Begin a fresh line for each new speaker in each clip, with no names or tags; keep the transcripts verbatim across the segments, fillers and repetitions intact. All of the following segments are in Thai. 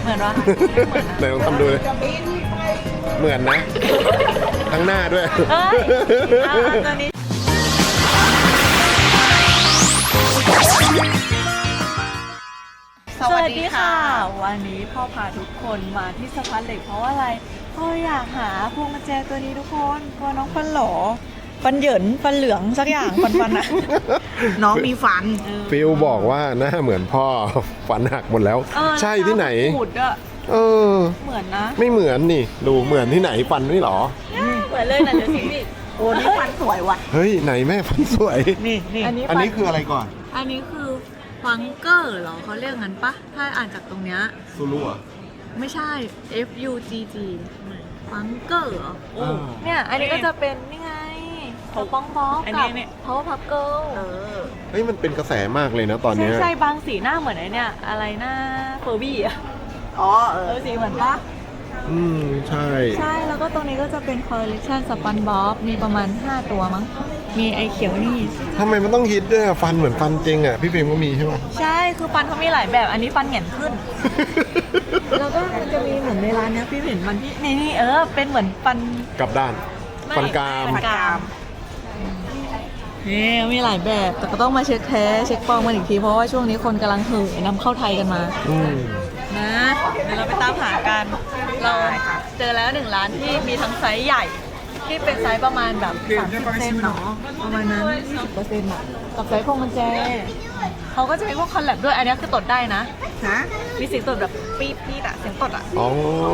เหมือนวะ
ไหนลองทำดูเลยเหมือนนะทั้งหน้าด้วย
เอ้ยเอาเอาตัวนี้สวัสดีค่ะวันนี้พ่อพาทุกคนมาที่สะพานเหล็กเพราะว่าอะไรพ่ออยากหาพวงกุญแจตัวนี้ทุกคนก็น้องฟันหล่อฟันเหยินฟันเหลืองสักอย่างฟันฟันอะ
น้องมีฟัน
ฟิลบอกว่าหน้าเหมือนพ่อฟันหักหมดแล้ว
เออ
ใช่ที่ไหน
ขูดอะ
เออ
เหมือนนะ
ไม่เหมือนนี่ดูเหมือนที่ไหนฟันไม่หรอ
เหมือนเลยนะเดี๋ยวสิพี่
โอ้นี่ฟันสวยว่ะ
เฮ้ยไหนแม่ฟันสวย
นี่นี่
อันนี้
อันนี้คืออะไรก่อน
อันนี้คือฟังเกอร์เหรอเขาเรียกงั้นปะถ้าอ่านจากตรงเนี้ย
ซูรุอ่ะ
ไม่ใช่ F U G G ฟังเกอร์เหรอ
อ่า
เนี่ยอันนี้ก็จะเป็นนี่ไงสปองบ๊อบ
อัน
กั
นี้
บ
เนี่ย
Power Puff Girl
เออ
เฮ้ยมันเป็นกระแสมากเลยนะตอน
ใช่
เนี้ย
ใช่บางสีหน้าเหมือนไอ้เนี่ยอะไรหน้าเฟอร์บี้อะ
อ๋อเอ
เอ
อ
อสีเหมือนปะ
อืมใช่
ใช่แล้วก็ตรงนี้ก็จะเป็นคอลเลคชันสปันบ๊อบมีประมาณห้าตัวมั้งมีไอเขียวนี่
ทำไมมันต้องฮิตด้วยอะฟันเหมือนฟันจริงอ่ะพี่ฟิล์มก็มีใช่ไหม
ใช่คือฟันเขามีหลายแบบอันนี้ฟันแหง่นขึ้น แล้วก็มันจะมีเหมือนในร้านเนี้ยพี่เห็นมันที่นี่นี่เออเป็นเหมือนฟัน
กลับด้าน
ไม่
ฟันกราม
ฟันกรามนี่มีหลายแบบแต่ก็ต้องมาเช็คแท้เช็คปลอมกันอีกทีเพราะว่าช่วงนี้คนกำลังเห่อนำเข้าไทยกันมา
อืม
นะเดี๋ยวเราไปตามหากันเราเจอแล้วหนึ่งร้านที่มีทั้งไซส์ใหญ่ ที่เป็นไซส์ประมาณแบบสามสิบเซนเนาะประมาณนั้นยี่สิบเปอร์เซ็นต์อะกับไซส์พวงกุญแจเขาก็จะมีพวกคอลแลบด้วยอันนี้คือตดได้นะ
ฮะ
มีเสียงตดแบบปี๊ดปี๊ดอะเสียงตดอะ
อ๋อ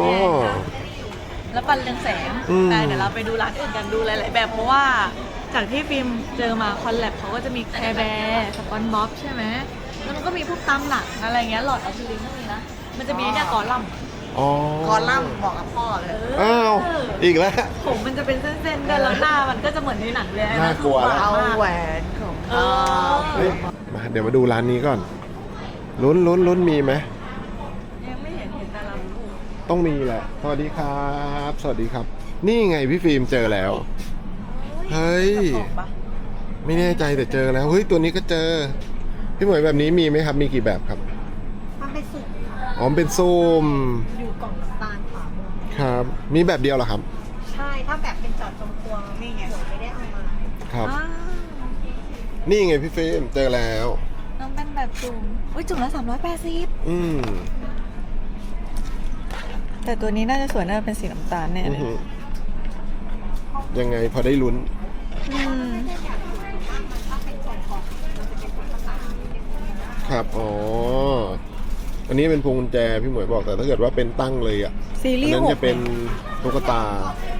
แล้วปันเรืองแสง
อืม
แต่เดี๋ยวเราไปดูร้านอื่นกันดูหลาย ๆ แบบเพราะว่าจากที่ฟิล์มเจอมาคอลแลบเขาก็จะมีแคร์แบร์สปอนบ๊อบใช่ไหมแล้วมันก็มีพวกตามหลักอะไรเงี้ยหลอดอะคริลิกก็มีนะมันจะมีเนี่ยกอลัมน์
อ๋อ
คอลัมน์เหมาะกับพ่อเลย
อ้าวอีกแล้ว
ผมมันจะเป็นเส้นๆด้วยแล้วหน้ามันก็จะเหมือนในหนังเลย
น่ากลัว
คือ
เอา
หวานมาก
แหวนของ
เอ
พ่อ
อ
เฮ้ยมาเดี๋ยวมาดูร้านนี้ก่อน ลุ้นลุ้นลุ้นมีไหม
ยังไม่เห็นเห็นแต่ลำพู
ต้องมีแหละ สวัสดีครับ สวัสดีครับ นี่ไงพี่ฟิล์มเจอแล้ว เฮ้ย
บอกปะ
ไม่แน่ใจแต่เจอแล้ว เฮ้ยตัวนี้ก็เจอ พี่หมวยแบบนี้มีไหมครับ มีกี่แบบครับ
มันเป็นสุก
อ๋อเป็นส้ม
อยู่กล่องน้ำตาลขาว
ครับ มีแบบเดียวเหรอครับ
ใช่ถ้าแบบเป็นจอดตรงตัวนี่ไงไม่ได้เอามา
ครับ
อ้าว
นี่ไงพี่ฟิล์มเจอแล้ว
น้องเป็นแบบจุ่มอุ้ยจุ่มละสามร้อยแปดสิบ
อืม
แต่ตัวนี้น่าจะสวยน่าจะเป็นสีน้ำตาลแน่
อื้
เล
อย หือยังไงพอได้ลุ้น
อืม
ครับ อ๋อ อันนี้เป็นพวงกุญแจพี่หมวยบอกแต่ถ้าเกิดว่าเป็นตั้งเลยอ่ะ
ซี
อั
รี
น
ส์
นั้น
ห
จะ
ก
เป็นตุ๊กตา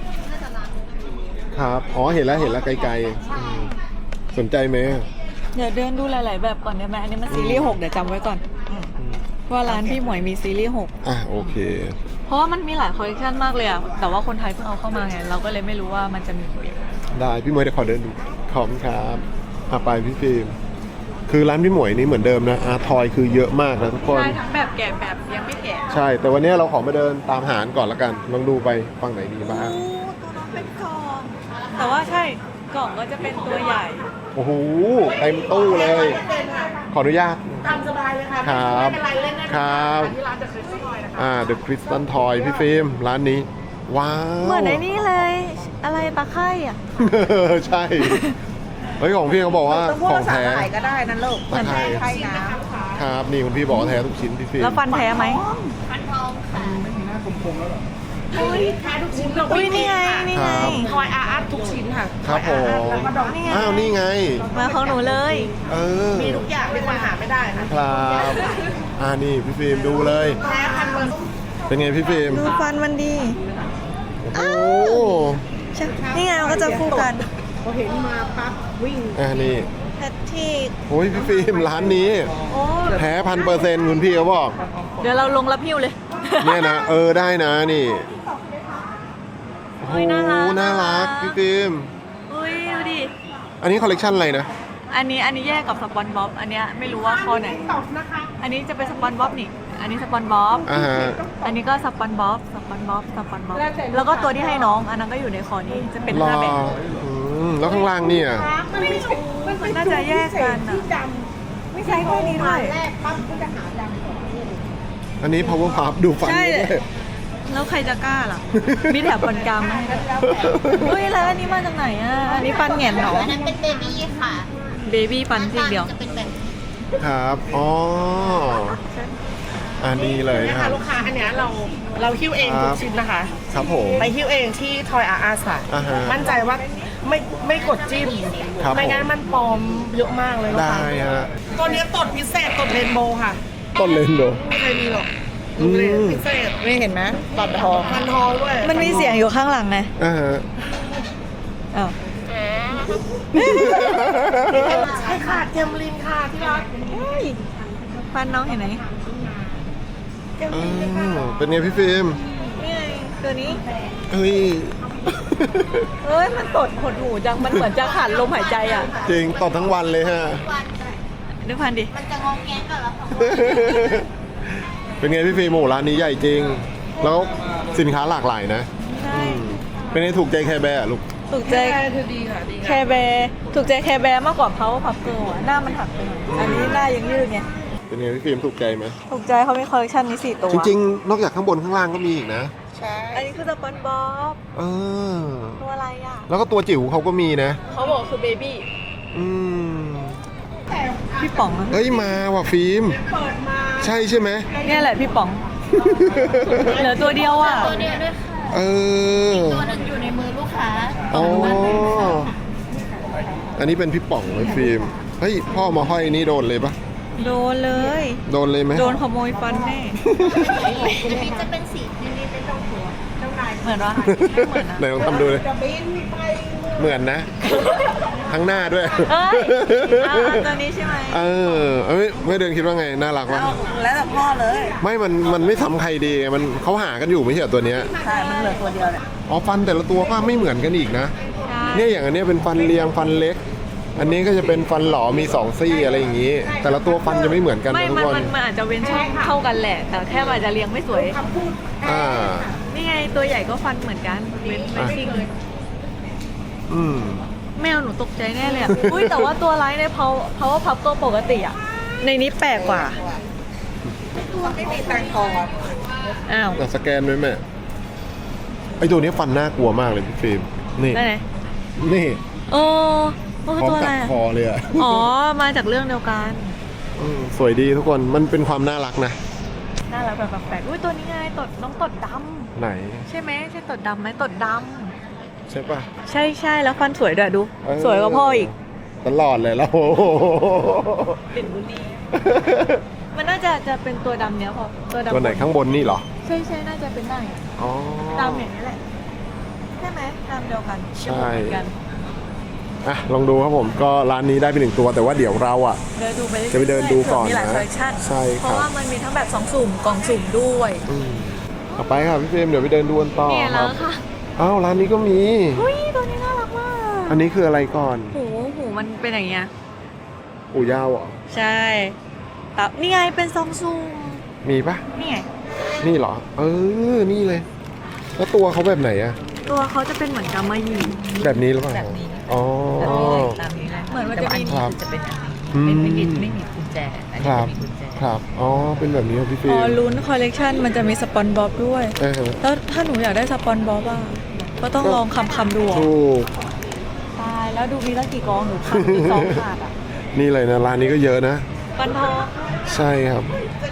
ครับ อ๋อ เห็นแล้ว เห็นแล้วไกลๆอืมสนใจไหม
เดี๋ยวเดินดูหลาย ๆ แบบก่อนได้ไหมอันนี้มันซีรีส์หกเดี๋ยวจำไว้ก่อนเพราะว่าร้านพี่หมวยมีซีรีส์หก
อ่ะ โอเค
เพราะว่ามันมีหลายคอลเลคชันมากเลยอะแต่ว่าคนไทยเพิ่งเอาเข้ามาไงเราก็เลยไม่รู้ว่ามันจะมีกี่แบบ
ได้ พี่หมวยเดี๋ยวขอเดินดู ขอบคุณครับอ่ะไปพี่ฟิล์ม คือร้านพี่หมวยนี่เหมือนเดิมนะ อาร์ทอยคือเยอะมากนะทุกคน
ใช่ทั้งแบบแกะแบบยังไม่แกะ
ใช่ แต่วันนี้เราขอมาเดินตามหารก่อนละกัน ลองดูไปฝั่งไหนดีบ้าง
โอ้ตัวน้องเป็นกล่อง แต่ว่าใช่กล่องก็จะเป็นตัวใหญ่
โอ้โห เต็มตู้เลย ขออนุญาต
ตามสบายเลยค่ะ
ครับ
ไม่เป็นไรเล่นได้
ครับ
ที่ร้านจะเคยซื้อหน่อยนะคะ
อ่า The Crystal Toy พี่ฟิล์ม ร้านนี้ ว้าว
เหมือนไอ้นี่เลย อะไรตะไคร่อะ
ใช่ เฮ้ย ของพี่เขาบอกว่า
ต้องพูด
ขอ
ภาง ษา
แท้
ไทยก็ได้นั่นลูก
ตะไคร้
ไทยนะครับ
นี่คุณพี่บอกว่าแท้ทุกชิ้นพี่ฟิล์ม
แล้วฟันแท้ไหม
อุ้ยแท้ทุกชิ้น
อุ้ยนี่ไงนี่ไง
คอยอาร์ตทุกชิ้นค่ะ
ครับผม
แล้วก็ดอก
นี่ไง
อ้าว นี่ไง
มาของหนูเลย
เออ
มีทุกอย่างที่มันหาไม่ได้นะครับ
อ่านี่พี่ฟิล์มดูเลย
แท้พันเปอร์เซ็นต์
เป็นไงพี่ฟิล์ม
ดูฟันมันดี
โอ้
ใช่นี่ไงมันก็จะคู่กัน
พอเห็นมาปั๊บวิ่ง
อ่านี่
แพทที่
โอ้ยพี่ฟิล์มร้านนี้
โอ้
แท้พันเปอร์เซ็นต์คุณพี่เขาบอก
เดี๋ยวเราลงรับหิ้วเลย
เนี่ยนะ เออได้นะนี่โอ้โห
เฮ้ยน่ารัก
น่ารักพี่ฟิล์ม
อุ้ยดูดิ
อันนี้คอลเลกชันอะไรนะ
อันนี้อันนี้แยกกับสปอนบ๊อบ อันเนี้ยไม่รู้ว่าข้อไหน
ตอบนะคะ
อันนี้จะเป็นสปอนบ๊อบนี่ อันนี้สปอนบ๊อบ
อ่าฮะ
อันนี้ก็สปอนบ๊อบ สปอนบ๊อบ สปอนบ๊อบ แล้วก็ตัวที่ให้น้อง อันนั้นก็อยู่ในคอนี้ จะเป็น
รอ
ห้าแบบ
อืมแล้วข้างล่างเนี่ย
มันไม่ถูก
มันน่าจะแยกกัน
ที่
อะ
ดำ
ไม่ใช่แค่นี้ด้วย
แรกปั๊บก็จะหาดำก่อน
ออันนี้ power puff ดูฟัน
ใช่
ด้วย
แล้วใครจะกล้าล่ะ มีแถบฟันกรามมาให้ด้วยเฮ้ยแล้วอันนี้มาจากไหนอ่ะ อันนี้ฟันแหง่นเหรอ
อันนั้นเป็นเบบี้ค่ะ
เบบี้ฟันซี่เดียว
จะเป็นแบบ
ครับ อ๋อ อันนี้เลย
นะ
นะค
คะ
รับ
ลูกค้าอันเนี้ยเราเราหิ้วเอง
ครั
ทุ
บ
กชิ้นนะคะ
ครับผม
ไปหิ้วเองที่ทอยอาร์อาร์ค่ะ
อ่าฮะ
มั่นใจว่าไม่ไม่กดจิ้ม
ครับ
ไม่งั้น
ผม
มันปลอมเยอะมากเลยลูก
ได้
ค้า
ฮะ
ตัวเนี้ยตดพิเศษตดเรนโบว์ค่ะ
ต้นเลนโด
ไม่เคยมีหรอก
อืม
เรนพิเศษ
นี่เห็นไหมตัดทอง
ฟันทองด้วย
มันมีเสียงอยู่ข้างหลังไง
อ่าฮะ
อ้าว
ใช่ค่ะเจมลินค่ะที่รัก
ฟันน้องเห็นไหม
อ่าเป็นไงพี่ฟิล์ม
นี่ไงตัวนี้
เฮ้ย
เอ้ย มันตดหดหูจัง มันเหมือนจะขาดลมหายใจอ่ะ
จริงต่อทั้งวันเลยฮะ
วัน
ดูพันดิ
มันจะงองแงกับเราของ
เป็นไงพี่ฟิล์มโอ้ร้านนี้ใหญ่จริง แล้วสินค้าหลากหลายนะ
ใช่
อืมเป็นไงถูกใจแคร์แบร์อะลูก
ถูกใจ
เธอดีค่ะดี
แคร์แบร์ถูกใจแคร์แบร์มากกว่าเขาพับเกิลอ่ะ หน้ามันหักไปหน่อย อันนี้หน้ายังยืดไง
เป็นไงพี่ฟิล์มถูกใจไหม
ถูกใจเขามีคอลเลคชันนี้สี่ตัว
จริงๆ นอกจากข้างบนข้างล่างก็มีอีกนะ
ใช่
อันนี้คือสปอนบ๊อบ
เออ
ตัวอะไรอ่ะ
แล้วก็ตัวจิ๋วเขาก็มีนะ
เขาบอกคือเบบี้
อืม
พี่ป๋องอะ
เฮ้ยมาว่ะฟิล์ม
เปิดมา
ใช่ใช่ไหม
เนี่ยแหละพี่ป๋อง เหลือตัวเดียวอ่ะ
ตัวเดียวด้วยค่ะ
เออ
ตัวหนึงอยู่ในมือลูกค้า
อ๋อ อันนี้เป็นพี่ป๋องเลยฟิล์ม เฮ้ยพ่อมาห้อยนี่โดนเลยปะ
โดนเลย
โดนเลยไหม
โดนขโมยฟันแน่
อันนี้จะเป็นสีที่นี่เป็นต้องหัว
เหมือนว่าไม่เหมือนนะ
ไหนลองทำดูเลย
จะบินไป
เหมือนนะ ทั้งหน้าด้วย
เอ้ยอ่าตัวนี้ใช่ไหม
เออเอ้ยไม่เดินคิดว่าไง น่ารักวะ
แล้วแต่พ่อเลย
ไม่ มัน มันไม่ซ้ำใครดีไงมันเขาหากันอยู่ไม่ใช่เหรอตัวเนี้ย
ใช่ มันเหลือตัวเดียวแหละ
อ๋อ ฟันแต่ละตัวก็ไม่เหมือนกันอีกนะ เนี่ยอย่างอันเนี้ยเป็นฟันเรียงฟันเล็ก อันนี้ก็จะเป็นฟันหลอมีสองซี่อะไรอย่างนี้ แต่ละตัวฟันจะไม่เหมือนกัน
ไม่
นะทุ
มั
ก
น
คน
มันมันอาจจะเว้นช่องเท่ากันแหละ แต่แค่มันอาจจะเรียงไม่สวย
อ่า
นี่ไงตัวใหญ่ก็ฟันเหมือนกัน เว้นเว้นซิ่ง
อืม
แมวหนูตกใจแน่เลยอ่ะ อุ้ยแต่ว่าตัวไลท์ในเพาเพาพับตัวปกติอ่ะ ในนี้แปลกกว่า
ไม่มีตังทอง
อ้าว
แต่สแกนด้วยแม่ไอตัวนี้ฟันน่ากลัวมากเลยพี่ฟิล์ม นี่
ได้ไหน
นี่
โอ้โอ้
พร้อม
ตัวอะ
กั
ไร
ด
อะ
คอเลยอ่ะ
อ๋อ มาจากเรื่องเดียวกัน
อืมสวยดีทุกคน มันเป็นความน่ารักนะ
น่ารักแบบแปลกๆอุ้ยตัวนี้ไงตดน้องตดด
ไหน
ำใช่ไหมใช่ตดดำไหมตดด
ใช่ปะ
ำใช่ใช่แล้วฟันสวยด้วยดู
เออ
สวยกว่าพ่ออีก
ตลอดเลยแล้วโอ้โห
เป็นบุรีมันน่าจะจะเป็นตัวดำเนี้ยพอตัวดำ
ตัวไหนข้างบนนี่เหรอ
ใช่ใช่น่าจะเป็นได้อะ
อ๋อ
ดำอย่างนี้แหละใช่ไหมดำเดียวกัน
ใช่
เหมือนกัน
อ่ะลองดูครับผมก็ร้านนี้ได้ไปหนึ่งตัวแต่ว่าเดี๋ยวเราอ่ะ
เดินดูไปรื่อยๆ
จะไปเดินดูก่อน
มีหลาย
นะ
คอลเลคชั่น
ใช่ครับ
เพราะว่ามันมีทั้งแบบสองสุ่มกล่องสุ่มด้วย
อืมต่อไปครับพี่เฟรมเดี๋ยวไปเดินดูกันต่อ
เนี่ย
ค
แล้
รั
ว
บ
ค่ะ
อ้าวร้านนี้ก็มี
อุ้ยตัวนี้น่ารักมาก
อันนี้คืออะไรก่อน
หูหูมันเป็นอย่างเงี้ย
อู่ยาวเหรอ
ใช่ตับนี่ไงเป็นซองซูม
มีปะ
นี่ไง
นี่เหรอ เออ นี่เลย แล้วตัวเขาแบบไหนอะ
ตัวเขาจะเป็นเหมือนกำมะหยี่
แบบนี้หรือเปล่า
แบบนี้
อ๋อ
ตามนี้เลย
เหมือนมันจะมี
ครับ
จะเป็นอัน
อืม
นี้ไม่ไม่มีไม่มีกุญแจ อัน
ค
นี้
รั
จะ
บ
มีกุญแจ
ครับ อ๋อ เป็นแบบนี้ครับพี่เฟร
พอ
ม
ลุ้นคอลเลกชันมันจะมีสปอนบ๊อบด้วย
เออ
แล้วถ้าหนูอยากได้สปอนบ๊อบอ่ะก็ต้องลองคำคำๆดูอ่ะ
ถูก
ตายแล้วดูมีตั้งกี่กองหนูขาดอีกสองขาดอ่ะ
นี่เลยนะร้านนี้ก็เยอะนะ
ปันทอง
ใช่ครับ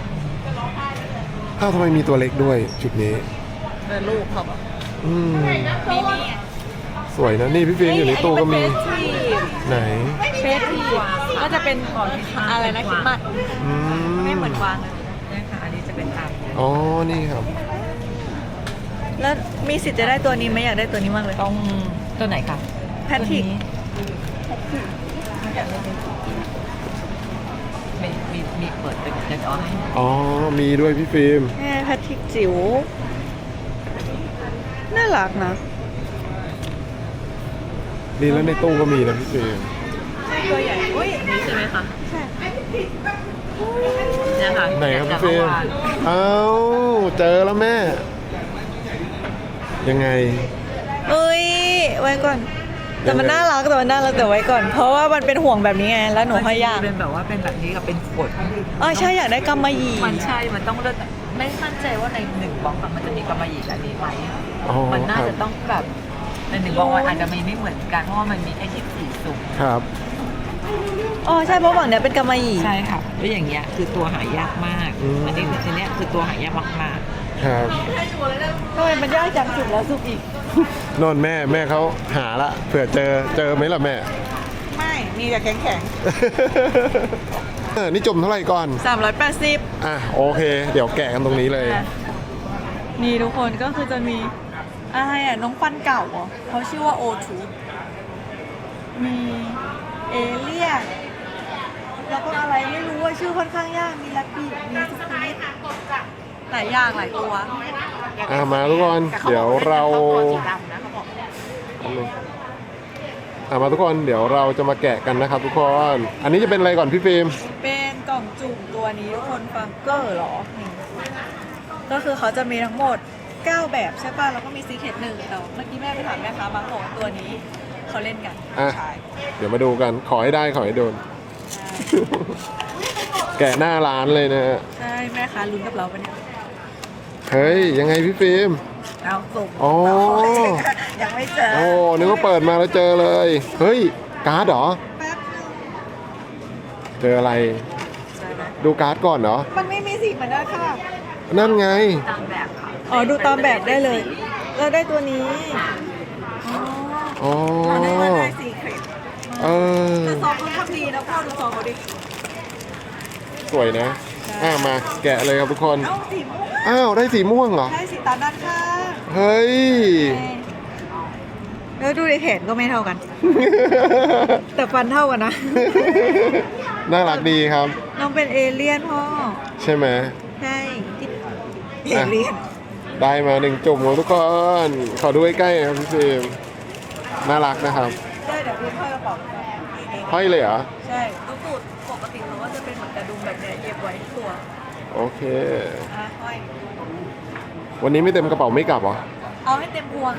อ้าวทำไมมีตัวเล็กด้วยจุดนี้
เป็นลูกเขาแบบ
อืม
มีนี่ไง
สวยนะ นี่พี่ฟิล์มอยู่ในตู้ก็มี ไหน
เฟสทีก็จะเป็นอะไรนะคิดมัด
อื
ไม่เหมือนวางเลย
นี่ค่ะ อันนี้จะเป็นตาม
อ๋อ นี่ครับ
แล้วมีสิทธิ์จะได้ตัวนี้ไหมอยากได้ตัวนี้มากเลย
ต้องตัวไหนคะ
แพทริก
มีมีมีเปิดเป็นจะเอาให้
อ๋อ มีด้วยพี่ฟิล์ม
แม่แพทริกจิ๋วน่ารักนะ
นี่แล้วในตู้ก็มีนะพี่ฟิล์ม
ใช่ตัวใหญ่อุ้ย
นี่ใช่ไหมคะ
ใช่
เนี่ยค่ะ
ไหนครับ
จา
พี่
ก
ฟิล์ม
เมื่อวาน
เอ้า เจอแล้วแม่ ยังไง
เอ้ยไว้ก่อนแต่มันน่ารักแต่มันน่ารักแต่ไว้ก่อน เพราะว่ามันเป็นห่วงแบบนี้ไงแล้วหนูให้ยาก
เป็นแบบว่าเป็นแบบนี้กับเป็นขวด
อ๋อใช่อยากได้กำมะหยี่
มันใช่ มันต้องเลือกไม่มั่นใจว่าในหนึ่งบล็อกอะมันจะมีกำมะหยี่แบบนี้ไหม
อ๋อ
มันน่า
ครั
จะ
บ
ต้องแบบในหนึ่งบล็อกมันอาจจะมีไม่เหมือนกันเพราะว่ามันมีแค่ยี่สิบสี่สุ่ม
ครับ
อ๋อใช่เพราะฝั่งเนี้ยเป็นกำมะหยี่
ใช่ค่ะแล้วอย่างเงี้ยคือตัวหายากมาก
อืม
อันนี้คืออันเนี้ยคือตัวหายากมาก
ครับ
ทำไมมันยากจังสุดแล้วสุดอีก
นนแม่แม่เขาหาละเผื่อเจอเจอไหมล่ะแม่
ไม่ มีแต่แข็งแข็ง
เออนี่จุ่มเท่าไหร่ก่อน
สามร้อยแปดสิบ
อ่ะโอเค เดี๋ยวแกะกันตรงนี้เลย
นี่ทุกคนก็คือจะมีอะไรอ่ะน้องฟันเก่าเหรอเขาชื่อว่าโอทูมีเอเลี่ยนแล้วก็อะไรไม่รู้ว่าชื่อค่อนข้างยากมีแรปปี้มีสควิตหลายอย่างหลายตัว
อ่ะมาทุกคน เดี๋ยวเรา
สีดำนะเขาบอก
อ่ะมาทุกคนเดี๋ยวเราจะมาแกะกันนะครับทุกคน อันนี้จะเป็นอะไรก่อนพี่ฟิล์ม
เป็นกล่องจุ่มตัวนี้ทุกคนฟังเกอร์เหรอนี่ก็คือเขาจะมีทั้งหมดเก้าแบบใช่ป่ะแล้วก็มีซีเคทหนึ่งแต่เมื่อกี้แม่ไปถามแม่ค้าบางบอกว่าตัวนี้เขาเล่นกัน
อ่ะ
ใช่
เดี๋ยวมาดูกัน ขอให้ได้ขอให้โดน แกะหน้าร้านเลยนะฮะ
ใช่แม่ค้าลุ้นกับเราปะเนี่ย
เฮ้ย ยังไงพี่ฟิล์ม
เอาส่ง
อ๋อ
ยังไม่เจอ
โอ้นึกว่าเปิดมาแล้วเจอเลย เฮ้ย การ์ดเหรอ
แป๊บนึง
เจออะไร
ใช่ไหม
ดูการ์ดก่อนเหรอ
มันไม่มีสีเหมือนกันค่ะ
นั่นไง
ๆตามแบบค่ะ
อ๋อดูตามแบบได้เลยเราได้ตัวนี้อ๋อ
อ๋อ
เราได้มาได้สีเครด
เออ
แต่ซองเขาทำดีนะพ่อดูซองเขาดิ
สวยนะ อ่ะมาแกะเลยครับทุกคน
เอ้าสีม่วง
อ้าว ได้สีม่วงเหรอ
ใช่สีตามด้านข้าง
เฮ้ย
แล้วดูในแขนก็ไม่เท่ากัน แต่ฟันเท่ากันนะ
น่ารักดีครับ
น้องเป็นเอเลี่ยนพ่อ
ใช่ไหม
ใช่ที่เอเลี่ยน
ได้มาหนึ่งจุ่มของทุกคน ขอดูใกล้ๆนะครับพี่ฟิล์มน่ารักนะครับ
ใช่เดี๋ยวพี่พ่อกระเป๋า
ห้อยเลยเหรอ
ใช่ตุ๊กตูดปกติเขาก็จะเป็นเหมือนกระดุมแบบเนี้ยเย็บไว้ที่ตัว
โอเค
อ่ะห้อย
วันนี้ไม่เต็มกระเป๋าไม่กลับเหรอ
เอาให้เต็มพวง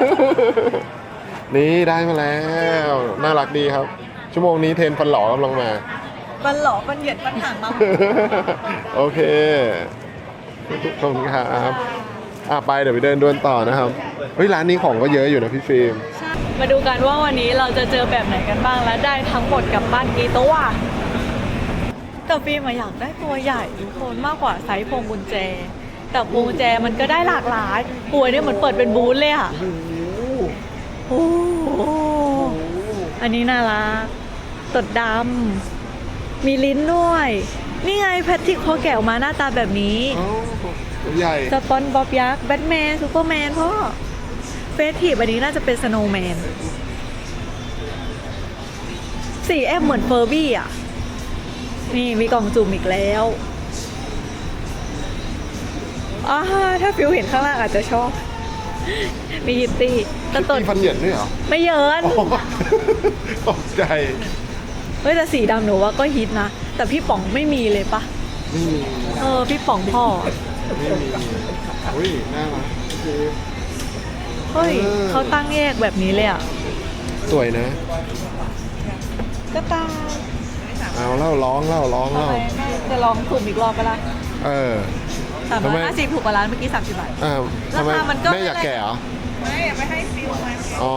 นี่ได้มาแล้ว น่ารักดีครับ ชั่วโมงนี้เทรนฟันหล่อกำลังมา
บันหลอบันเหยียดบันห่างมา
โอเค ขอบคุณครับอ่ะไปเดี๋ยวไปเดินดวนต่อนะครับ เฮ้ยร้านนี้ของก็เยอะอยู่นะพี่ฟิล์ม
มาดูกันว่าวันนี้เราจะเจอแบบไหนกันบ้างและได้ทั้งหมดกลับบ้านกี่ตัวแต่ฟิล์มอะอยากได้ตัวใหญ่ทุกคนมากกว่าไซส์พวงกุญแจ แต่พวงกุญแจมันก็ได้หลากหลายป่วยเนี่ยเหมือนเปิดเป็นบูธเลยอ่ะโอ้โหอันนี้น่ารักตดดำมีลิ้นด้วย นี่ไงแพทริกพอแกะออกมาหน้าตาแบบนี้
ตัวใหญ่
สปอนบ๊อบยักษ์แบทแมนซูเปอร์แมนพ่อเฟสทีฟอันนี้น่าจะเป็นสโนว์แมนสีแอมเหมือนเฟอร์บี้อ่ะ นี่มีกล่องจุ่มอีกแล้วอ่าถ้าฟิวเห็นข้างล่างอาจจะชอบ มีฮิตตี้แต่ตด
มีฟันเหยินด้วยเหรอ
ไม่เยิน
อ๋อตกใจ
เฮ้ยแต่สีดำหนูว่าก็ฮิตนะ แต่พี่ป๋องไม่มีเลยปะ
ไม่มี
เออพี่ป๋องพ่อ
ไม่มีอุ้ยน่ารักโอเค
เฮ้ย
เออ
เขาตั้งแยกแบบนี้เลยอ่ะ
สวยนะ
ก็ตาม
เอาเล่าร้องเล่าร้อง
ทำ
เล่า
ไมแม่จะลองสุ่มอีกรอบไปละ
เออ
สามร้อยห้าสิบถูกกว่าร้านเมื่อกี้สามสิบบาท
อ่าทำไม
ราคามันก็
แม่อยากแก่เหรอ
ไม่อยากไปให้ฟิลมา
อ๋อ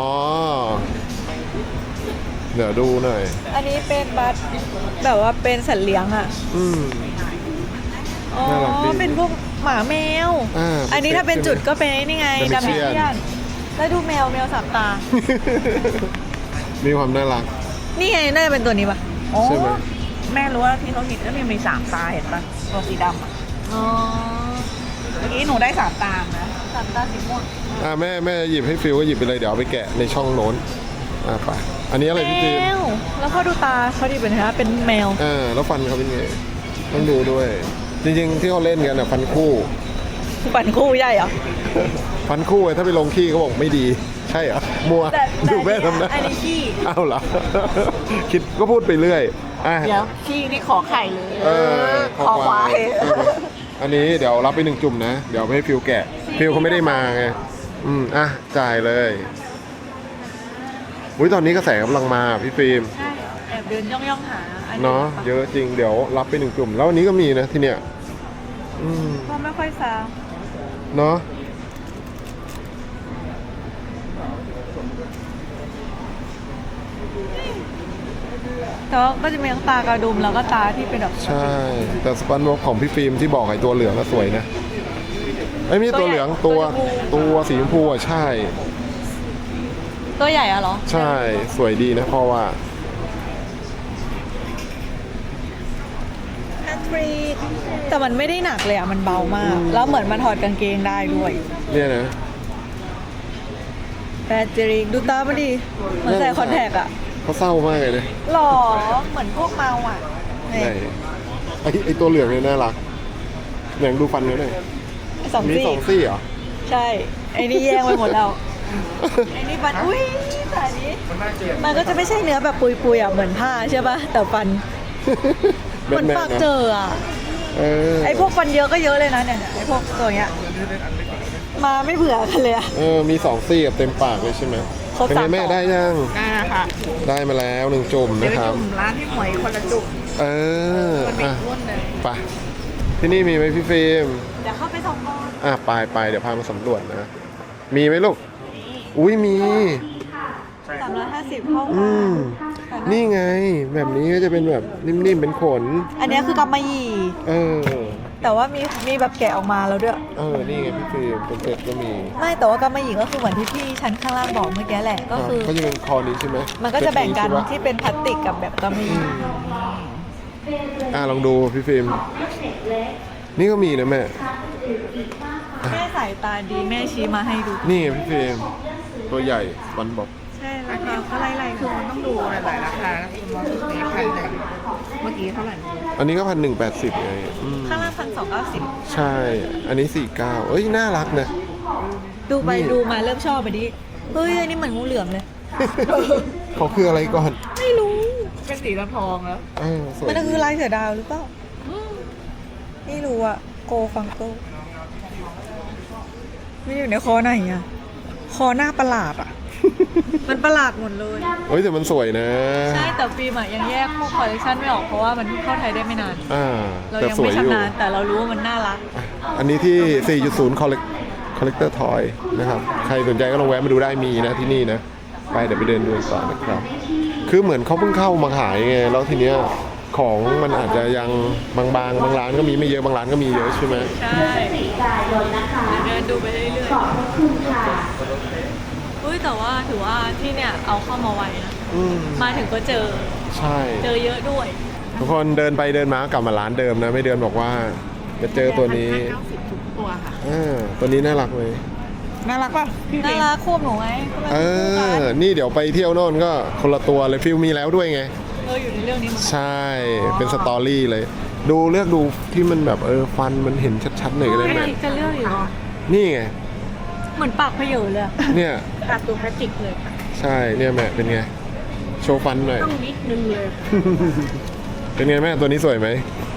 เดี๋ยวดูหน่อย
อันนี้เป็นบัตรแบบว่าเป็นสัตว์เลี้ยงอ่ะ
อืม
อ๋อ
น่ารักดี
เป็นพวกหมาแมว
อ่า
อันนี้ถ้าเป็นจุดก็เป็นไอ้นี่ไง
ดั
ดั
ม
ม
เบิ
เบิ
ล
ล
เชี
เชี
ย
ย
น
นแล้วดูแมวแมวสามตา
มีความน่ารัก
นี่ไงน่าจะเป็นตัวนี้ปะ
อ๋อ
ใช่ไหม
แม่รู้ว่าที่เขาหินก็มีสามตาเห็นปะตัวสีดำอะ
อ๋อ
เมื่อกี้หนูได้สามตานะ
สามตาสีม่วง
อ่าแม่แม่หยิบให้ฟิวก็หยิบไปเลยเดี๋ยวเอาไปแกะในช่องโน้น อ่าไปอันนี้อะไรพี่ฟิล์ม
แมวแล้วพอดูตาเขาดีเป็นไงคะเป็นแมว
อ่าแล้วฟันเขาเป็นไง ต้องดูด้วย จริงๆที่เขาเล่นกันอ่ะฟันคู่
ปั่นคู่ใหญ่เหรอ
ฟันคู่ไอ้ถ้าไปลงขี้เขาบอกไม่ดี ใช่เหรอ มัว
แต่แต่
ดูแม่ทำนะ
อันนี้ขี้
อ้าวเหรอ คิดก็พูดไปเรื่อยอ่ะ
เดี๋ยวขี้นี่ขอไข่เลย
เออ
ขอควาย
เอออันนี้เดี๋ยวรับไปหนึ่งจุ่มนะ เดี๋ยวไปให้ฟิวแกะ ฟิวเขาไม่ได้มาไง อืม อ่ะ จ่ายเลยอุ้ยตอนนี้กระแสกำลังมาพี่ฟิล์ม
ใช่แอบเดินย่องย่องๆหาอัน
เนาะเยอะจริงเดี๋ยวรับไปหนึ่งกลุ่ม แล้ววันนี้ก็มีนะที่เนี้ยอืม
ก็ไม่ค่อยซา
เนาะ
แต่ว่าก็จะมีทั้งตากระดุมแล้วก็ตาที่เป็นแบบ
ใช่ แต่สปันบ็อกของพี่ฟิล์มที่บอกไอ้ตัวเหลืองก็สวยนะไอ้ยไม่ใช่ตัวเหลืองตัวตัวสีชมพูอ่ะใช่
ตัวใหญ่อะเหรอ
ใช่สวยดีนะเพราะว่า
แพทริกแต่มันไม่ได้หนักเลยอะมันเบามาก แล้วเหมือนมันถอดกางเกงได้ด้วย
เนี่ยนะ
แพทริกดูตามันดิเหมือนใส่คอนแทคอะ
เขาเศร้ามากเลยนะ
หล่อเหมือนพวกเมาอะ
ไหนไอ้ไอ้ตัวเหลืองเนี่ยน่ารักเหลืองดูฟันเขาหน่อย
สอง
มี
ซี่
สองซี่เหรอ
ใช่ไอ้นี่แย่งไปหมดแล้วไอ้นี่ฟันอุ้ยแต่อันนี้มันก็จะไม่ใช่เนื้อแบบปุยๆอะเหมือนผ้าใช่ป่ะแต่ฟันเหมือนปากเจออะ
เออ
ไอ้พวกฟันเยอะก็เยอะเลยนะเนี่ยไอ้พวกตัวเนี้ยมาไม่เบื่อกันเลยอะ
เออมีสองซี่กับเต็มปากเลยใช่ไหม
ครบ
เป็นไง
สาม
แม่
ต่อ
ได้ยัง
ได้ค่ะ
ได้มาแล้วหนึ่งจุ่ม
เดี๋ยว
นะ
ไป
ครับ
จุ่มร้านที่หมวยคนละจุ่ม
เออ
มันเป็น
อ่ะ
รุ่นเลย
ไปที่นี่มีไหมพี่ฟิล์ม
เดี๋ยวเข้าไปส่องก่อน
อ่ะไปไปเดี๋ยวพามาสำรวจนะ มีไหมลูก อุ้ยมี
สามร้อยห้าสิบเข้า
อืม นี่ไง แบบนี้ก็จะเป็นแบบนิ่มๆเป็นขน
อันเนี้ยคือกำมะหยี่
เออ
แต่ว่ามีมีแบบแกะออกมาแล้วด้วย
เออ นี่ไงพี่ฟิล์มเป็นเซตก็มี
ไม่แต่ว่ากำมะหยี่ก็คือเหมือนที่พี่ชั้นข้างล่างบอกเมื่อกี้แหละก็คือ
เขาจะเป็นคอนี้ใช่ไหม
มันก็จะแบ่งกัน
เซตใช่ปะ
ที่เป็นพลาสติกกับแบบกำมะหยี่
อ่ะลองดูพี่ฟิล์ม นี่ก็มีนะแม่
แม่สายตาดีแม่ชี้มาให้ดู
นี่ไงพี่ฟิล์ม ตัวใหญ่วันบอก
ใช่ราคาก็ไล่ๆ
คื
คือ อ
มันต้องดูหลายๆราคานะคุณมองในพันเลยเมื่อกี้เท่าไหร่
อันนี้ก็พันหนึ่งแปดสิบไงอืม
ข้างล่างพันสองเก้าสิบ
ใช่ อันนี้สี่เก้าเอ้ย น่ารักนะ
ดูไป
นี่
ดูมาเริ่มชอบไปดิเฮ้ยอันนี้เหมือนงูเหลือมเลย
เขาคืออะไรก่อน
ไม่รู้
เป็นสีทองแล้ว
เออสวย
มัน
ดี
คือลายเสือดาวหรือเปล่าไม่รู้อะโกฟังโกไม่อยู่ในคอไหนอะคอหน้าประหลาดอะ มันประหลาดหมดเลย
เฮ้ยแต่มันสวยนะ
ใช่แต่ฟิล์มอะยังแยกพวกคอลเลคชันไม่ออกเพราะว่ามันเพิ่งเข้าไทยได้ไม่นาน
อ่า
เรา
แต่
ยัง
สว
ไม่
ยอยู่
ชำนาญแต่เรารู้ว่ามันน่ารัก
อ่ะอันนี้ที่ สี่จุดศูนย์ Collect Collector Toy นะครับ ใครสนใจก็ลองแวะมาดูได้มีนะที่นี่นะ ไปเดี๋ยวไปเดินดูต่อนะครับ คือเหมือนเขาเพิ่งเข้ามาขายไง แล้วทีเนี้ยของมันอาจจะยังบางๆ บางร้านก็มีไม่เยอะ บางร้านก็มีเยอะใช่ไหม
ใช่เดินดูไปเรื่อยๆเฮ้ยแต่ว่าถือว่าที่เนี่ยเอาเข้ามาไวนะ
อืม
มาถึงก็เจอ
ใช่
เจอเยอะด้วย
ทุกคนเดินไปเดินมากลับมาร้านเดิมนะ ไม่เดินบอกว่าจะเจอตัวนี้
เก้าสิบทุกตัวค่ะ
อ่าตัวนี้น่ารักเลย
น่ารักป่ะพี่
น่า
เล็ก
รักควบหนูไง
เออ นี่เดี๋ยวไปเที่ยวโน่นก็คนละตัวเลยฟิลมีแล้วด้วยไง
เอออยู่ในเรื่องนี้มัน
ใช่ เป็นสตอรี่เลย ดูเลือกดูที่มันแบบเออฟันมันเห็นชัดๆหน่อยก็ได้ไหม
จะเลือกอยู่เหรอ
นี่ไง
เหมือนปากเพเยอเลยอะ
เนี่ย
ตัดตัวพลาสติกเลยค่ะ
ใช่ เนี่ยแม่เป็นไง โชว์ฟันหน่อย
ต้องนิดนึงเลยค่ะ
เป็นไงแม่ตัวนี้สวยไหม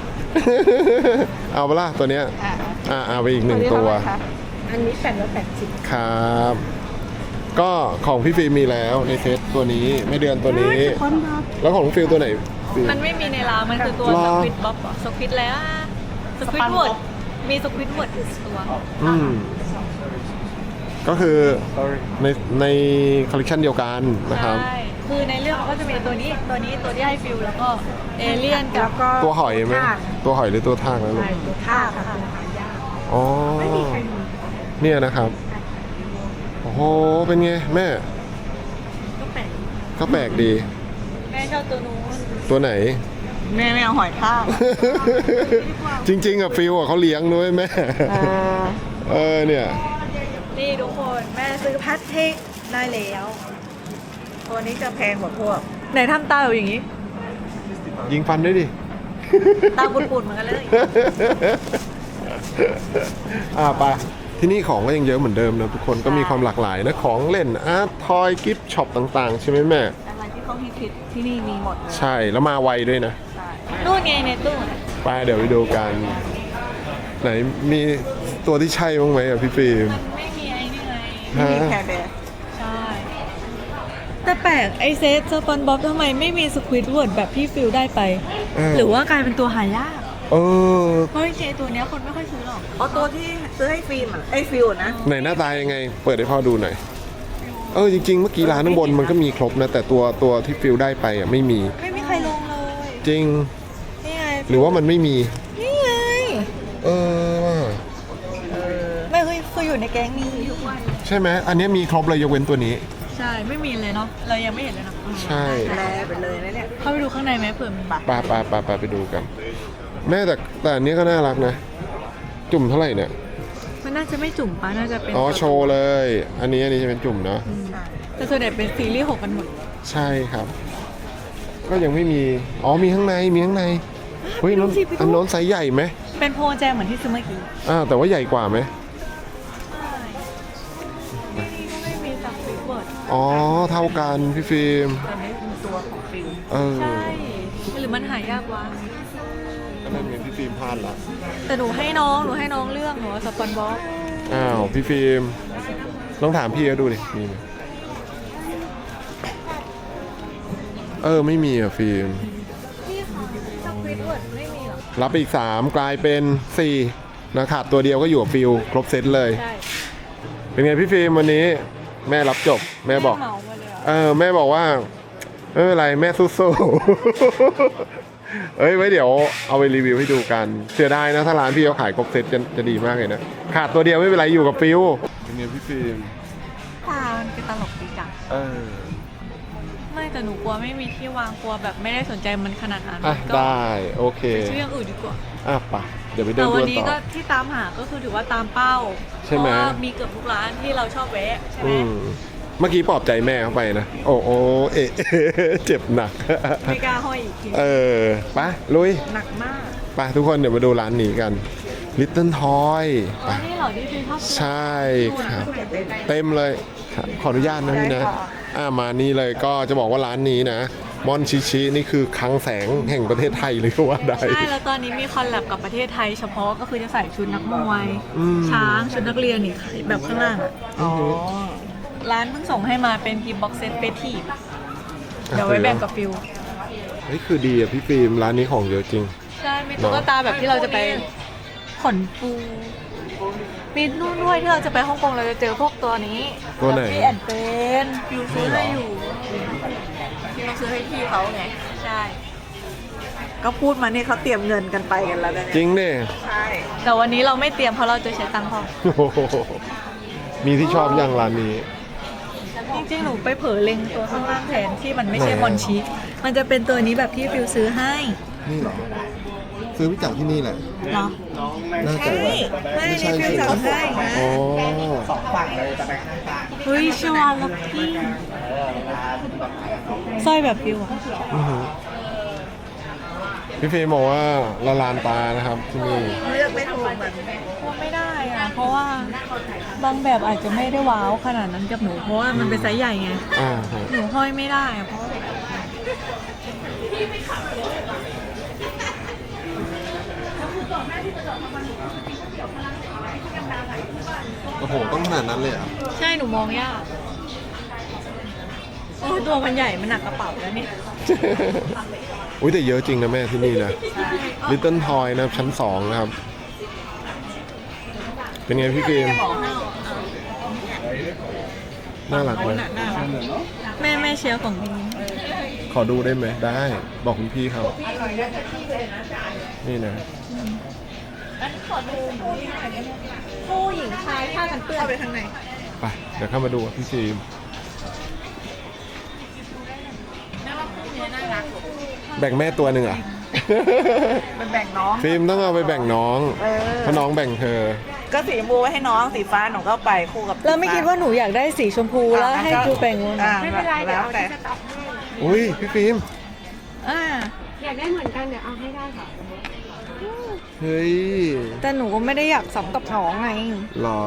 เอาปะล่ะตัวเนี้ย
อ่ะ
อ่าเอาไปอีกหนึ่งตัว
อันนี้แปดร้อยแปดสิบ
ครับ ก็ของพี่ฟิล์มมีแล้วในเซตตัวนี้ไม่เดือนตัวนี้ แล้วของน้องฟิลตัวไหนฟิล์ม
มันไม่มีในร้านมันคือตัว
หร
ส
อ
ควิตบ๊อบอะสควิตแล้วอะสควิตเวิร์ดมีสควิตเวิร์ดอยู่ตัว
อืม ก็คือในในคอลเลคชันเดียวกันนะครับ
ใช่คือในเรื่องก็จะมีตัวนี้ตัวนี้ตัวที่ให้ฟิลแล้วก็เอเลี่ยนกั
แล้
บ
วก็
ตัวหอยไหม
ทาก
ตัวหอยหรือตัวทากนะลูก
ใช่ตัวท่าค่ะตัวหายาก
อ๋อ
ไม่มีใครมี
เนี่ยนะครับ โอ้โห เป็นไงแม่
ก็แปลก
ก็แปลกดี
แม่ชอบตัวนู้น
ตัวไหน
แม่ไม่เอาหอยทาก
จริงๆอะฟิลอะเขาเลี้ยงด้วยแม่ เออเนี่ย
นี่ทุกคนแม่ซื้อพลาสติกได้แล้ว
ตัวนี้จะแพงกว่าพวก
ไหนทำตาแบบอย่างนี้
ยิงฟันด้วยดิ
ตาปุดๆเหมือนกันเลย
อ่าไปที่นี่ของก็ยังเยอะเหมือนเดิมนะทุกคนก็มีความหลากหลายนะของเล่นอาร์ตทอยกิฟต์ช็อปต่างๆ ใช่ไหมแม่
อะไรที่เขาฮิตๆที่นี่มีหมดเลย
ใช่แล้วมาไวด้วยนะ
นู่นไงในตู้
ไปเดี๋ยวไปดูกัน ไหนมีตัวที่ใช่บ้างไหมอ่ะพี่ฟิล์ม
มันไม่มีไอ้นี่ไง
ฮะ
มีแคร์แบร์
ใช่ แแต่แปลกไอเซตสปอนบ๊อบทำไมไม่มีสควิดเวิร์ดแบบพี่ฟิลได้ไป หรือว่ากลายเป็นตัวหายาก
เออ
เพราะจริงๆตัวเนี้ยคนไม่ค่อยซื้อหรอก
เอาตัวที่ซื้อให้ฟิล์มอ่ะไอ้ฟิลนะ
ไหนหน้าตายังไง เปิดให้พ่อดูหน่อย เออจริงๆเมื่อกี้ร้านข้างบนมันก็มีครบนะ แต่ตัวตัวที่ฟิลได้ไปอ่ะไม่มี
ไม่มีใครลงเลย
จริง
นี่ไง
หรือว่ามันไม่มี
นี่ไง
เออว่ะ
ไม่เคยคืออยู่ในแก๊งนี้ทุกวัน
ใช่ไหมอันนี้มีครบเลยยกเว้นตัวนี้
ใช่ไม่มีเลยเนาะเรายังไม่เห็นเลยเนาะ
ใช่
แลไปเลยนะเนี่ย
เข้าไปดูข้างในไหมเผื่อมี
ปาปาปาปาไปดูกัน แม่แต่แต่อันนี้ก็น่ารักนะ จุ่มเท่าไหร่เนี่ย
มันน่าจะไม่จุ่มปะน่าจะเป็น
อ๋อโชว์เลย อันนี้อันนี้จะเป็นจุ่มเนาะ
แต่ส่วนใหญ่เป็นซีรีส์หกกันหมด
ใช่ครับ ก็ยังไม่มี อ๋อมีข้างในมีข้างในเฮ้ยน้นอันโน้นไซส์ใหญ่ไหม
เป็นโพลแจมเหมือนที่ซื้อเมื่อกี้
อ่าวแต่ว่าใหญ่กว่าไหม
นี่ก็ไม่มีสับฟิเวิร์ด
อ๋อเท่ากันพี่ฟิล์ม
ตอนนี้เป็นตัวของฟิล
เออ
ใช่หรือมันหายากวะ
อันนั้นเห็นพี่ฟิล์มพลาดละ
แต่หนูให้น้องหนูให้น้องเลือกหนูว่าสปอนบ๊อบ
อ้าวพี่ฟิล์มลองถามพี่เขาดูดิมีไหมเออไม่มีอ่ะฟิล์ม
นี่ค่ะสับฟิเวิร์ดไม่มีหรอ
รับไปอีกสามกลายเป็นสี่นะขาดตัวเดียวก็อยู่กับฟิลครบเซตเลย
ใช่
เป็นไงพี่ฟิล์มวันนี้แม่รับจบแม่บอก
เหมามาเลยอะ
เออแม่บอกว่าไม่เป็นไรแม่สู้ๆ เอ้ยไว้เดี๋ยวเอาไปรีวิวให้ดูกันเสียดายนะถ้าร้านพี่เขาขายครบเซตจะจะดีมากเลยนะขาดตัวเดียวไม่เป็นไรอยู่กับฟิลเป็นไงพี่ฟิล์ม
ตามันเป็นตลกดีจัง
เออ
ไม่แต่หนูกลัวไม่มีที่วางกลัวแบบไม่ได้สนใจมันขนาดนั้น
อ่ะ
ก็
ได้โอเค
ไปซื้ออย่างอื่นดีกว่า
อ่ะไปะเดี๋ยวไปเดิ
แต่
นดู
วัน
กัน
นี้
ต่
ก็
อ
ที่ตามหาก็คือถือว่าตามเป้า
ใช่ไหม
เพราะว่ามีเกือบทุกร้านที่เราชอบแวะใช่ไหม
อืมเมื่อกี้ปลอบใจแม่เข้าไปนะโอ้โอเอะ เจ็บหนัก
ไม่กล้าห้อยอีกที
เออไปลุย
หนักมาก
ไปทุกคนเดี๋ยวมาดูร้านนี้กัน Little Toy
อ๋อนี่เหรอที่ซื้อชอบ
ใช่ครับ เต็มเลยครับขออนุญาตนะพี่นะ อ่ามานี่เลยก็จะบอกว่าร้านนี้นะมอนชิชินี่คือคลังแสงแห่งประเทศไทยเลยก็ว่าได้
ใช่แล้วตอนนี้มีคอลแลบกับประเทศไทยเฉพาะก็คือจะใส่ชุดนักมวย
อืม
ช้างชุดนักเรียนนี่แบบข้างล่างอะ
อ๋อ
ร้านเพิ่งส่งให้มาเป็นกิฟต์บ็อกเซตเปทีฟเดี๋ยวไว้แบ่งกับฟิว
เฮ้ยคือดีอ่ะพี่ฟิล์มร้านนี้ของเยอะจริง
ใช่มีตุ๊กตาแบบที่เราจะไปขนปูมีนู่นด้วยที่เราจะไปฮ่องกงเราจะเจอพวกตัวนี้
ตัวไหน
พี่แอนเป็นฟิวซื้อให้อยู่ฟิวซื้อให้พี่เขาไงใช่
ก็พูดมานี่เขาเตรียมเงินกันไปกันแล้วนะ
จริงดิ
ใช่
แต่วันนี้เราไม่เตรียมเพราะเราจะใช้ตังค์พอ
โอ้โหมีที่ชอบอย่างร้านนี้
จริงๆหนูไปเผลอเล็งตัวข้างล่างแทนที่มันไม่ใช่
ไหนอะ
มอนชิมันจะเป็นตัวนี้แบบที่ฟิวซื้อให้
นี่เหรอซื้อไปจากที่นี่แหละ
เนาะ
น่าจะ
ไม่นี่ฟิวสั่งให้นะ
อ๋อ
เฮ้ยชวาลักกี้สร้อยแบบฟิวอะ
อื้อหือพี่ฟิล์มบอกว่าละลานตานะครับที่นี่
เลือกไม่ถูกเหมือน
ว่าไม่ได้อะเพราะว่าบางแบบอาจจะไม่ได้ว้าวขนาดนั้นกับหนูเพราะว่ามันเป็นไซส์ใหญ่ไง
อ่าฮะ
หนูห้อยไม่ได้อะเพราะ
โอ้โหต้องขนาดนั้นเลยเหรอ่ะ
ใช่หนูมองยากโอ้ยตัวมันใหญ่มันหนักกระเป๋าแล้วเนี่ย
อุ้ยแต่เยอะจริงนะแม่ที่นี่นะ Little Toy นะครับชั้นสองนะครับ เป็นไงพี่ฟิล์มน่ารักไหม
แม่แม่เชียร์ของนี้
ขอดูได้ไหมได้ บอกคุณพี่เขานี่นะ
ผู้หญิงชายผ้ากันเปื้อน
เข้าไปข้างใน
ไปเดี๋ยวเข้ามาดูกับพี่ฟิล์มแบ่งแม่ตัวหนึ่งอ่ะ
มันแบ่งน้อง
ฟิล์มต้องเอาไปแบ่งน้อง
เออ
เพราะน้องแบ่งเธอ
ก็สีชมพูไว้ให้น้องสีฟ้าหนูก็ไปคู่กับ
เราไม่คิดว่าหนูอยากได้สีชมพูแล้วให้ฟิวแบ่งวน
อ่าไม่เป็นไรเดี๋ยวเอาแต่
อุ้ยพี่ฟิล์ม
อ่า
อยากได้เหมือนกันเดี๋ยวเอาให้ได้ค่ะ
เฮ้ย
แต่หนูก็ไม่ได้อยากสับกับน้องไง
หรอ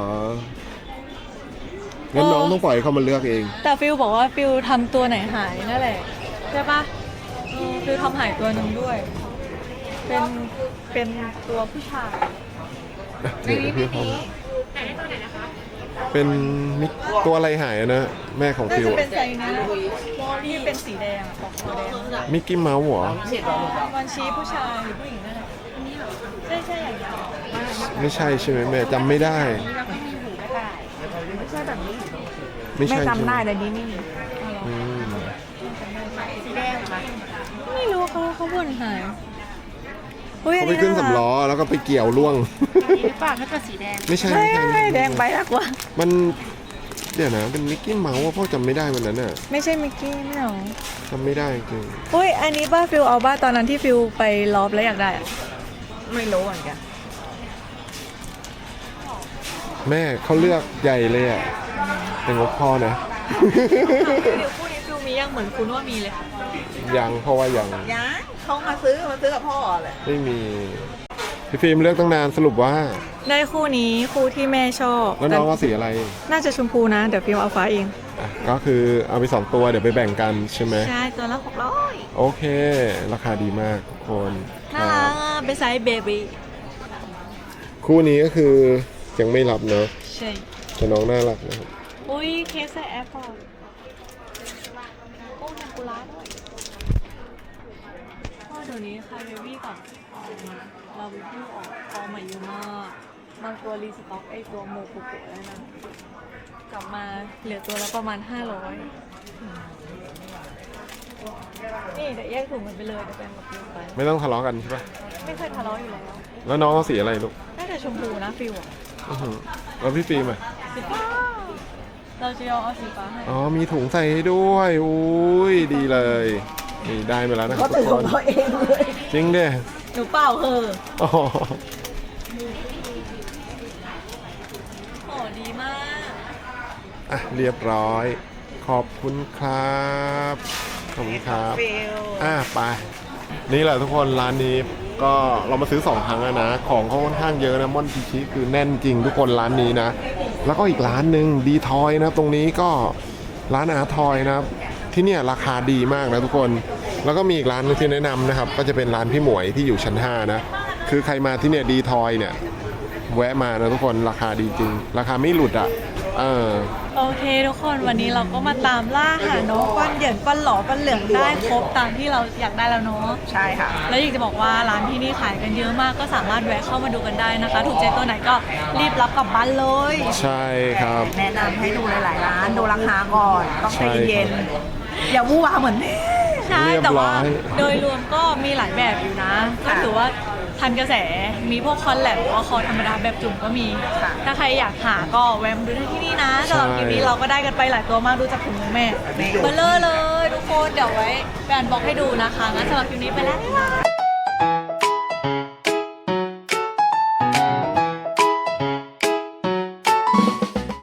งั้นน้องต้องปล่อยให้เขามาเลือกเอง
แต่ฟิลบอกว่าฟิลทำตัวไหนหายนั่นแหละใช่ปะเออฟิลทำหายตัวหนึ่งด้วย เป็นเป็นตัวผู้ชาย
เดี๋ยวพี่เขาเป็นมิกตัวอะไรหายอะนะ แม่ของ
น่า
ฟิว
จะ
อะ
เป็นไซส์นี้ที่เป็นสีแดงอะปอกตัวแดง
มิกกี้เมาส์เหรอ
มันชี้ผู้ชายหรือผู้หญิงนั่นแหละใช่ใช่อย่างนี้
ไม่ใช่ใช่ไหมแม่จำไม่ได้
ไม่ใช่แบบนี้
ไม่
แม่
ใช่
จำได้
ใช่หม
เลยนี่นี่
อืม
สีแดงไหม
ไม่รู้เขาเขาบ่นหายอุ้ยอั
เขา
น
ไป
นี้
ขึ้น
น่ารัก
สำล้อแล้วก็ไปเกี่ยวล่วง
นี่หรือเปล่าถ้าเกิดสีแดง
ไม่ใช่
ไม่
ไม่ใช่
ไม่แดงไปนะกว่า
มันเดี๋ยวนะเป็นมิกกี้เมาส์ว่าพ่อจำไม่ได้วันนั้นน่ะ
ไม่ใช่มิกกี้ไม่เอา
จำไม่ได้จริง
อุ้ยอันนี้บ้าฟิลเอาบ้าตอนนั้นที่ฟิลไปลอบแล้วอยากได้อะ
ไม่รู้เหมือนกัน
แม่เขาเลือกใหญ่เลยอ่ะเป็นงบพ่อนะ
ฟิลคู่นี้ฟิลมียังเหมือนคุณว่ามีเลย
ยังเพราะว่ายัง
ยังเขามาซื้อมาซื้อกับพ่อเลย
ไม่มีพี่ฟิล์มเลือกตั้งนานสรุปว่า
ได้คู่นี้คู่ที่แม่ชอบ
แล้วน้องเอาสีอะไร
น่าจะชมพูนะ เดี๋ยวฟิลเอาฟ้าเอง
อ่ะก็คือเอาไปสองตัวเดี๋ยวไปแบ่งกันใช่ไหม
ใช่ตัวละหกร้อย
โอเค ราคาดีมากทุกคน
น่า
ค
รั
รั
ก
บ
อ่ะเป็นไซส์เบบี้
คู่นี้ก็คือยังไม่รับเนอะ
ใช่
แต่น้องน่ารักนะครับ
อุ้ยเคสใส่แอปพอร์ตโอ้ยากุระด้วยพ่อเดี๋ยวนี้คาเบบี้กับเราวิวออกฟอร์มใหม่เยอะมากบางตัวรีสต็อกไอตัวโมกุโกะแล้วนะกลับมาเหลือตัวละประมาณห้าร้อยนี่เดี๋ยวแยกถุงกันไปเลยเดี๋ยวแบ่งกับฟิวไป
ไม่ต้องทะเลาะกันใช่ปะ
ไม่เคยทะเลาะอยู่แล้ว
แล้วน้องเอาสีอะไรลูก
น่าจะชมพูนะฟิวอะ
อื้อหือแล้วพี่ฟิล์มอ่ะ
สีฟ้าเราจะยอมเอาสีฟ้าให้
อ๋อมีถุงใส่ให้ด้วยอุ้ยดีเลยนี่ได้มาแล้วนะครับทุกคน
เองเลย
จริงเด้
หนูเปล่าเหอะ
อ๋อ
โอ้ดีมาก
อ่ะเรียบร้อย ขอบคุณครับขอบคุณครับ
ฟิล
อ่ะไปนี่แหละทุกคนร้านนี้ก็เรามาซื้อสองครั้งแล้วนะ ของเขาค่อนข้างเยอะนะม่อนพิชิคือแน่นจริงทุกคนร้านนี้นะ แล้วก็อีกร้านหนึ่งดีทอยนะตรงนี้ก็ร้านอาร์ทอยนะครับที่เนี่ยราคาดีมากนะทุกคน แล้วก็มีอีกร้านหนึงที่แนะนำนะครับ ก็จะเป็นร้านพี่หมวยที่อยู่ชั้นห้านะคือใครมาที่เนี่ยดีทอยเนี่ยแวะมานะทุกคนราคาดีจริง ราคาไม่หลุดอ่ะเออ
โอเคทุกคนวันนี้เราก็มาตามล่าหาน้องก้อนเหยินก้อนหล่อก้อนเหลืองได้ครบตามที่เราอยากได้แล้วเนาะ
ใช่ค่ะ
แล้วอยากจะบอกว่าร้านที่นี่ขายกันเยอะมากก็สามารถแวะเข้ามาดูกันได้นะคะ ถูกใจตัวไหนก็รีบรับกลับบ้านเลย
ใช่ครับ
แนะนำให้ดูหลายๆร้านดูราคาก่อน ต้องใจ
ใช่
เย็น
ครับ
ๆอย่าวู่วาเหมือนแม่
ใช่
เรียบ
แต่ว่า
ร้อย
โดยรวมก็มีหลายแบบอยู่นะ ก็ถือว่าทันกระแสมีพวกคอนแลบหรือว่าคอธรรมดาแบบจุ่มก็มี
ค่ะ
ถ้าใครอยากหาก็แวะมาดูได้ที่นี่นะสำหรับคลิปนี้เราก็ได้กันไปหลายตัวมากดูจากถุงมือแม่เบลเลอร์เลยทุกคนเดี๋ยวไว้แบนบอกให้ดูนะคะงั้นสำหรับคลิปนี้ไปแล้วบ๊ายบาย